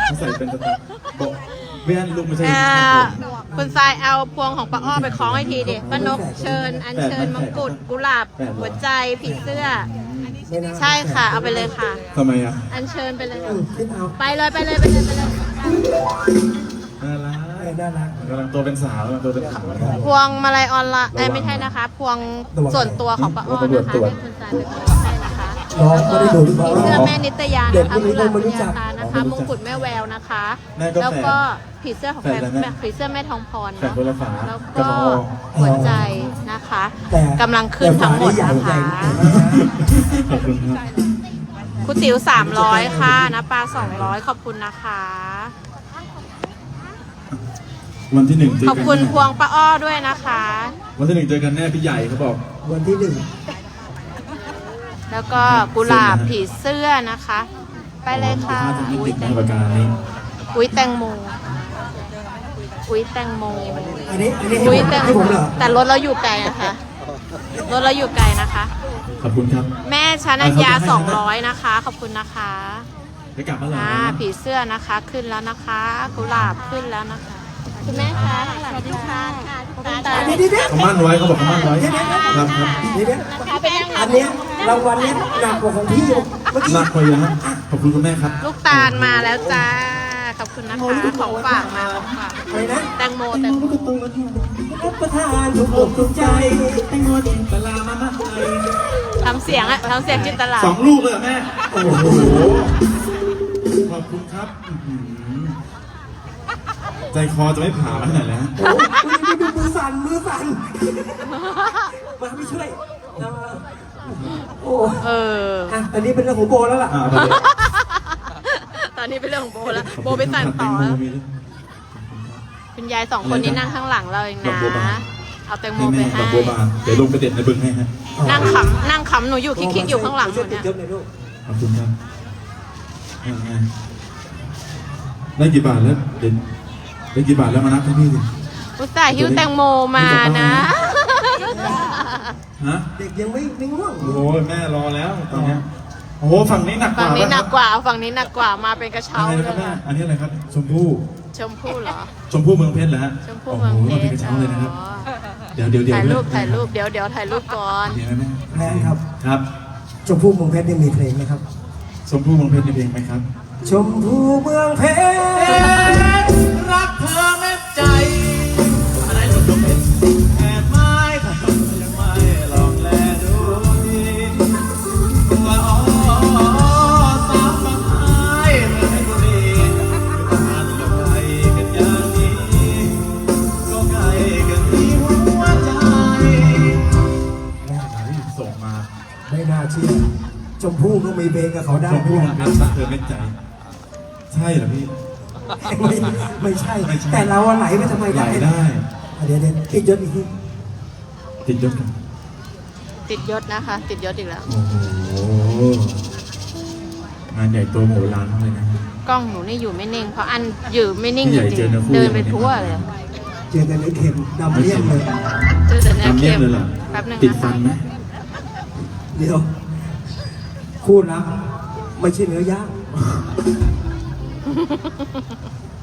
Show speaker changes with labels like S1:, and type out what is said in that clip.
S1: ใส่เป็นสไตล์บอกไม่อันลูกไม่ใช่
S2: คุณทรายเอาพวงของป้าอ้อไปคล้องให้ทีดิป้านกเชิญอัญเชิญมงกุฎกุหลาบหัวใจผีเสื้อใช่ค่ะเอาไปเลยค่ะ
S1: ทำไมอ่ะ
S2: อัญเชิญไปเลยไปเลย
S1: น่ารักกำลังตัวเป็นสาวตัวเป็นสาว
S2: พวงมาลัยออนไลน์ไม่ใช่นะคะพวงส่วนตัวของป้าอ้อนะคะให้คุณทรายไปคล้องให้นะคะผีเสื้อแม่นิตยานะคะกุหลาบวิญญาตานะคะมงกุฎแม่แววนะคะแล้วก็ผีเสื้อของผีเสื้อแม่ทองพรเนาะแล้วก็หัวใจนะคะกำลังขึ้นทั้งหมดนะคะ
S1: ขอบคุณครับ
S2: คุณติ๋ว300ค่ะนะปลา200ขอบคุณนะคะ
S1: วันที่1
S2: ขอบคุณพวงป้าอ้อด้วยนะคะ
S1: วันที่1เจอกันแน่พี่ใหญ่เขาบอก
S3: วันที่1
S2: แล้วก็กุหลาบผีเสื้อนะคะไปเลยค่ะ
S1: อุ้ยแตงโม
S2: อุ้ยแตงโมอุ้ยแตงโม
S3: อันนี้
S2: อุ้ยแตงโมแต่รถเราอยู่ไกลนะคะรถเราอยู่ไกลนะคะ
S1: ขอบคุณครับ
S2: แม่ชนัญญา200นะคะขอบคุณนะคะ
S1: ไปกลับมา
S2: แล้วผีเสื้อนะคะขึ้นแล้วนะคะกุหลาบขึ้นแล้วนะคะคุณแม่คะสวัสดีค่ะ
S1: เขามั่นไว้เขาบอกเขามั่นไว้ครับ
S3: อันนี้รางวัลนี้หนักกว่าของพี่
S1: หนักกว่าเยอะขอบคุณคุณแม่ครับ
S2: ลูกตาลมาแล้วจ้าขอบคุณนะคะของฝากมาของฝากแตงโม
S3: รับประทานถูกอกถูกใจ
S1: แตงโมจินตลามา
S2: ทำเสียงจินตลา
S1: 2 ลูกเลยแม่โอ้โหขอบคุณครับใจคอจะไม่ผ่ามาขนาดแล้ว
S3: โอ้ดูมือสั่นมาไม่ช่วยโอ้อันนี้เป็นเรื่องของโบแล้วล่ะ
S2: ตอนนี้เป็นเรื่องของโบแล้วโบไปสั่นต่อแล้วคุณยาย2 คนนี้นั่งข้างหลังเราเองนะเอาแตงโมไปให้
S1: เดี๋ยวลงไปเด็ดในบึงให้ฮะ
S2: นั่งขำหนูอยู่คิกอยู่ข้างหลังเนี่ย
S1: ขอบคุณครับได้กี่บาทแล้วเด่นได้กี่บาทแล้วมานับให้พี่ดิ
S2: อุตส่าห์หิ้วแตงโมมานะ
S1: ฮะ
S3: เด็กยังไม่ง่วง
S1: โอ้โหแม่รอแล้วตอนนี้โอ้โหฝั่งนี้หนักกว่า
S2: ฝั่งนี้หนักกว่ามาเป็นกระเช้าเลย
S1: อันนี้อะไรครับชมพู่
S2: เหรอ
S1: ชมพู่เมืองเพชรเหรอฮะ
S2: ชมพู่เมืองเพชร
S1: เป็นกระเช้าเลยนะครับเดี๋ยว
S2: ถ่ายรูปเดี๋ยวถ่ายรูปก่อน
S1: เดี๋ยวแม่
S3: แพงครับ
S1: ครับ
S3: ชมพู่เมืองเพชรมีเพลงไหมครับ
S1: ชมพู่เมืองเพชรมีเพลงไหมครับ
S3: ชมพู่เมืองเพชร
S1: รักเธอแม่ใจอะไรหลุดลงเป็นแอบไม้ถ้ายังไม่ลองแลดูว่าอ๋อสาวบางไม้เมื่อให้บุรีอยู่งานก็ไกลกันอย่างนี้ก็ไกลกันที่หัวใจส่งมา
S3: ไม่น่าเชื่อชมพู่ก็มีเพลงกับเขาได้
S1: ชมพู่รักเธอแม่ใจใช่เหรอพี่
S3: ไม่ใช่แต่เราไหลไปทำไม
S1: ได้
S3: เดี๋ยวติดยศอีกที
S1: ติดยศกัน
S2: ติดยศนะคะติดยศอีกแล้ว
S1: โอ้โหงานใหญ่ตัวโหฬารเลยนะ
S2: กล้องหนูนี่อยู่ไม่นิ่งเพราะอันอยู่ไม่นิ่งจริงๆเดินไปทั่วเลย
S3: เจอกันในเข็มดำเลี่ยมเลย
S2: เจอแต่ในเข็ม
S1: แป๊บนึงติดฟันไหม
S3: เดี๋ยวคู่นะไม่ใช่เนื้อย่าง